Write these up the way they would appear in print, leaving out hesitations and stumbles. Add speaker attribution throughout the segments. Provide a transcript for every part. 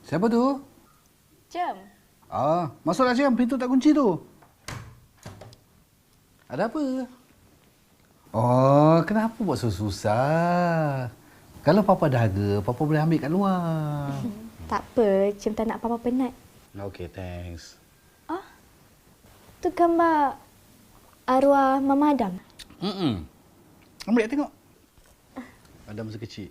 Speaker 1: Siapa tu?
Speaker 2: Jom.
Speaker 1: Masuklah Cem. Pintu tak kunci tu. Ada apa? Oh, kenapa buat susah? Kalau Papa dahaga, Papa boleh ambil kat luar.
Speaker 2: Tak apa, Cem tak nak Papa penat.
Speaker 1: Okey, thanks.
Speaker 2: Tu gambar arwah Mama Adam.
Speaker 1: Ambil tengok. Ada masa kecil.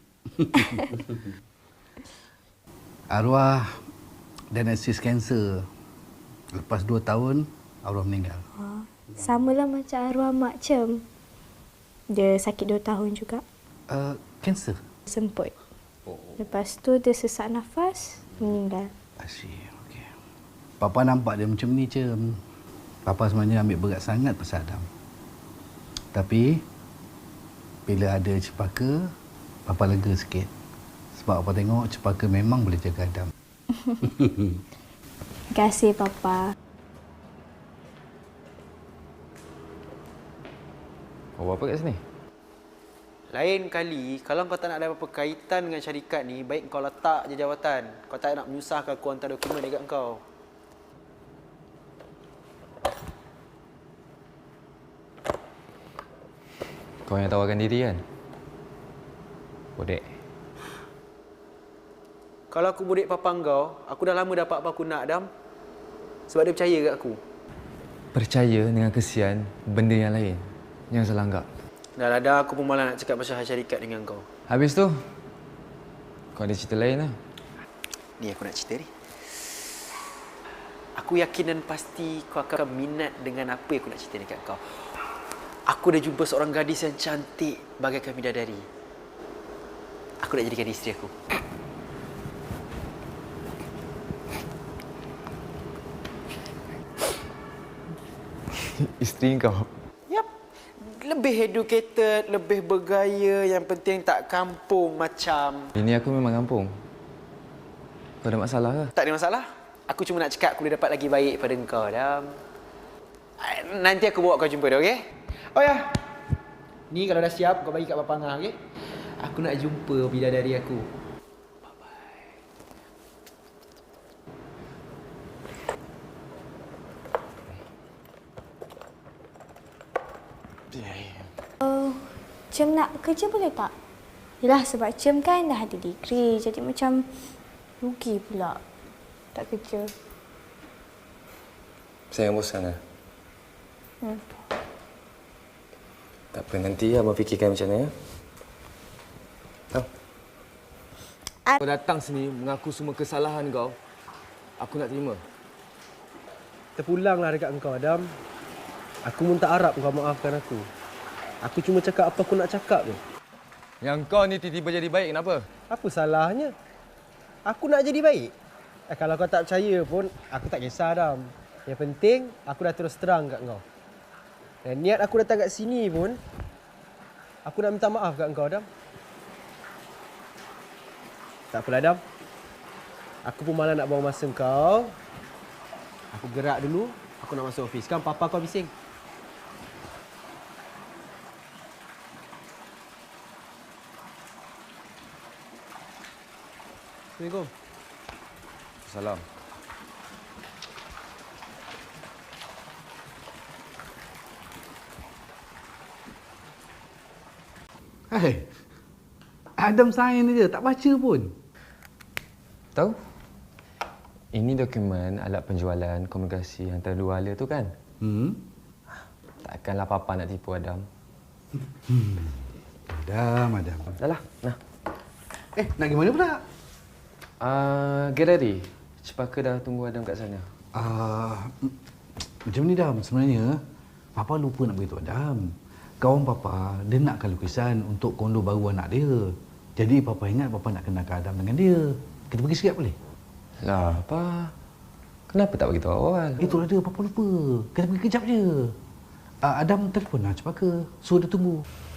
Speaker 1: Arwah diagnosis kanser. Lepas 2 tahun, arwah meninggal.
Speaker 2: Samalah macam arwah Mak Cem. Dia sakit 2 tahun juga.
Speaker 1: Kanser?
Speaker 2: Semput. Lepas tu dia sesak nafas, meninggal.
Speaker 1: Asyik, okey. Papa nampak dia macam ni, Cem. Papa sebenarnya ambil berat sangat pasal Adam. Tapi, bila ada Cepaka, Papa lega sikit. Sebab Papa tengok Cepaka memang boleh jaga Adam.
Speaker 2: Terima kasih, Papa.
Speaker 3: Kau buat apa kat sini?
Speaker 4: Lain kali, kalau kau tak nak ada apa-apa kaitan dengan syarikat ni, baik kau letak je jawatan. Kau tak nak menyusahkan aku hantar dokumen dekat kau.
Speaker 3: Kau yang tawarkan diri kan? Bodek.
Speaker 4: Kalau aku bodek papa kau, aku dah lama dapat apa aku nak, Adam. Sebab dia percaya kat aku.
Speaker 3: Percaya dengan kesian benda yang lain. Yang salah anggap.
Speaker 4: Dah lah, dah aku pun malah nak cakap pasal syarikat dengan kau.
Speaker 3: Habis tu, kau ada cerita lain lah.
Speaker 4: Ni aku nak cerita ni. Aku yakin dan pasti kau akan minat dengan apa yang aku nak cerita ni kat kau. Aku dah jumpa seorang gadis yang cantik bagaikan bidadari. Aku nak jadikan isteri aku.
Speaker 3: Isteri kau?
Speaker 4: Yap. Lebih educated, lebih bergaya, yang penting tak kampung macam...
Speaker 3: Ini aku memang kampung. Kau ada masalah ke?
Speaker 4: Tak ada masalah. Aku cuma nak cakap aku boleh dapat lagi baik pada kau, Dam. Nanti aku bawa kau jumpa dia, okey? Oh ya. Ni kalau dah siap, kau bagi kat Papa Angah, okey? Aku nak jumpa bidadari aku.
Speaker 2: Cem nak kerja boleh tak? Yelah, sebab Cem kan dah ada degree. Jadi macam rugi pula tak kerja.
Speaker 3: Saya yang bosan lah. Tak apa, nanti abang fikirkan macam mana ya. Tahu?
Speaker 5: Kau datang sini mengaku semua kesalahan kau. Aku nak terima.
Speaker 6: Terpulanglah dekat engkau, Adam. Aku pun tak harap kau maafkan aku. Aku cuma cakap apa aku nak cakap je.
Speaker 5: Yang kau ni tiba-tiba jadi baik, kenapa?
Speaker 6: Apa salahnya? Aku nak jadi baik. Kalau kau tak percaya pun, aku tak kisah, Adam. Yang penting, aku dah terus terang kat kau. Dan niat aku datang kat sini pun, aku nak minta maaf kat kau, Adam. Tak apalah, Adam. Aku pun malah nak buang masa kau. Aku gerak dulu, aku nak masuk ofis. Sekarang papa kau bising. Assalamualaikum.
Speaker 3: Salam.
Speaker 1: Hai. Adam sign je, tak baca pun.
Speaker 3: Tahu? Ini dokumen alat penjualan komunikasi antara dua hala tu kan? Takkanlah Papa nak tipu Adam.
Speaker 1: Adam.
Speaker 3: Dah lah, nah.
Speaker 1: Nak pergi mana pula?
Speaker 3: Galeri. Cepaka dah tunggu Adam kat sana.
Speaker 1: Macam ni, Dam. Sebenarnya, Papa lupa nak beritahu Adam. Kawan Papa, dia nakkan lukisan untuk kondo baru anak dia. Jadi, Papa ingat Papa nak kenalkan Adam dengan dia. Kita pergi sekejap boleh?
Speaker 3: Lah, apa? Kenapa tak beritahu awal?
Speaker 1: Itulah dia, Papa lupa. Kita pergi kejap je. Adam telefon lah Cepaka. Suruh dia tunggu.